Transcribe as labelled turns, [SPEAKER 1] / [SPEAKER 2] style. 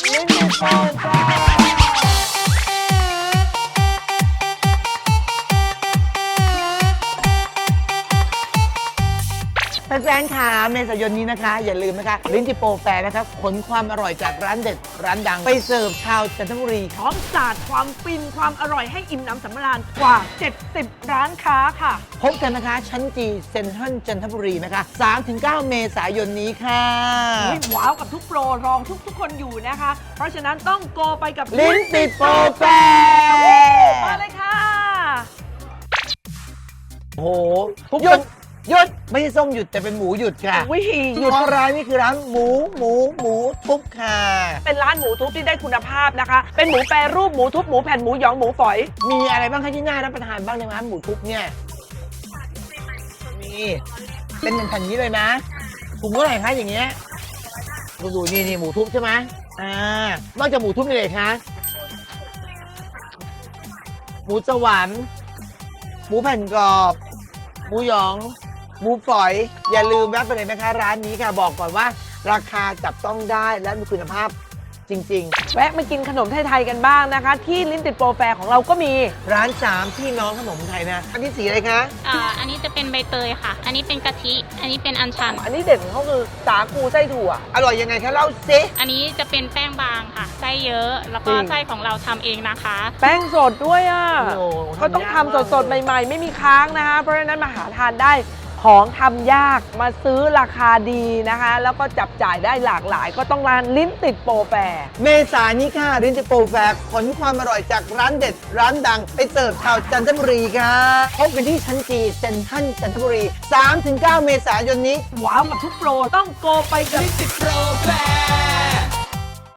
[SPEAKER 1] ลิ้นติดโปรแฟร์แฟนๆค่ะเมษายนนี้นะคะ อย่าลืมนะคะลิ้นติดโปรแฟร์นะคะขนความอร่อยจากร้านเด็ดร้านดังไปเสิร์ฟชาวจันทบุรี
[SPEAKER 2] พร้อมสาดความฟินความอร่อยให้อิ่มหนำสำราญกว่า 70 ร้านค้าค่ะ
[SPEAKER 1] พบกันนะคะชั้นจีเซ็นทรัลจันทบุรีนะคะ 3-9 เมษายนนี้ค่ะ
[SPEAKER 2] ว้าวกับทุกโปรรองทุกคนอยู่นะคะ เพราะฉะนั้นต้องโกไปกับ
[SPEAKER 1] ลิ้นติดโปรแฟร์
[SPEAKER 2] มาเลยค่ะ
[SPEAKER 1] โอ้โหหยุดไม่ใช่ส้มหยุดแต่เป็นหมูหยุดค่ะ
[SPEAKER 2] วิธีหยุด
[SPEAKER 1] เพราะร้านนี้คือร้านหมูทุบค่ะ
[SPEAKER 2] เป็นร้านหมูทุบที่ได้คุณภาพนะคะ เป็นหมูแปรรูปหมูทุบหมูแผ่นหมูหยองหมูฝอย
[SPEAKER 1] มีอะไรบ้างคะที่น่ารับประทานบ้างในร้านหมูทุบเนี่ยมีเป็นแผ่นๆนี้เลยนะถุงเท่าไหร่คะอย่างเงี้ยดูนี่หมูทุบใช่ไหมนอกจากหมูทุบมีอะไรคะหมูสวรรค์หมูแผ่นกรอบหมูหยองหมูฝอย อย่าลืมแวะไปเลยนะคะร้านนี้ค่ะบอกก่อนว่า ราคาจับต้องได้และมีคุณภาพจริงๆ
[SPEAKER 2] แวะมากินขนมไทยๆกันบ้างนะคะ ที่ลิ้นติดโปรแฟร์ของเราก็มี
[SPEAKER 1] ร้าน3พี่น้องขนมไทยนะอันนี้สีอะไรคะ
[SPEAKER 3] อันนี้จะเป็นใบเตยค่ะ อันนี้เป็นกะทิ อันนี้เป็นอัญชัน
[SPEAKER 2] อันนี้เด่นของเขาคือสาคูไส้ถั่ว
[SPEAKER 1] อร่อยยังไงคะเล่าซิ
[SPEAKER 3] อันนี้จะเป็นแป้งบางค่ะ ไส้เยอะ แล้วก็
[SPEAKER 2] จริง
[SPEAKER 3] ไส้ของเราทำเองนะคะ
[SPEAKER 2] แป้งสดด้วยอ่ะ
[SPEAKER 1] โอ้โห
[SPEAKER 2] เขาต้อง
[SPEAKER 1] ทำยาก
[SPEAKER 2] ทำ
[SPEAKER 1] มาก
[SPEAKER 2] สดๆ ใหม่ ๆ ไม่มีค้างนะคะ เพราะฉะนั้นมาหาทานได้ของทำยากมาซื้อราคาดีนะคะ แล้วก็จับจ่ายได้หลากหลาย ก็ต้องร้านลิ้นติดโปรแฟร์
[SPEAKER 1] เมษายนนี้ค่ะรินจิโปรแฟร์ขนความอร่อยจากร้านเด็ดร้านดังไปเสิร์ฟชาวจันทบุรีค่ะพบกันที่ชั้นจีเซ็นทรัลจันทบุรี 3-9 เมษายนนี้
[SPEAKER 2] ว้าวกับทุกโปรต้องโกไปกับลิ้นติดโปรแฟร์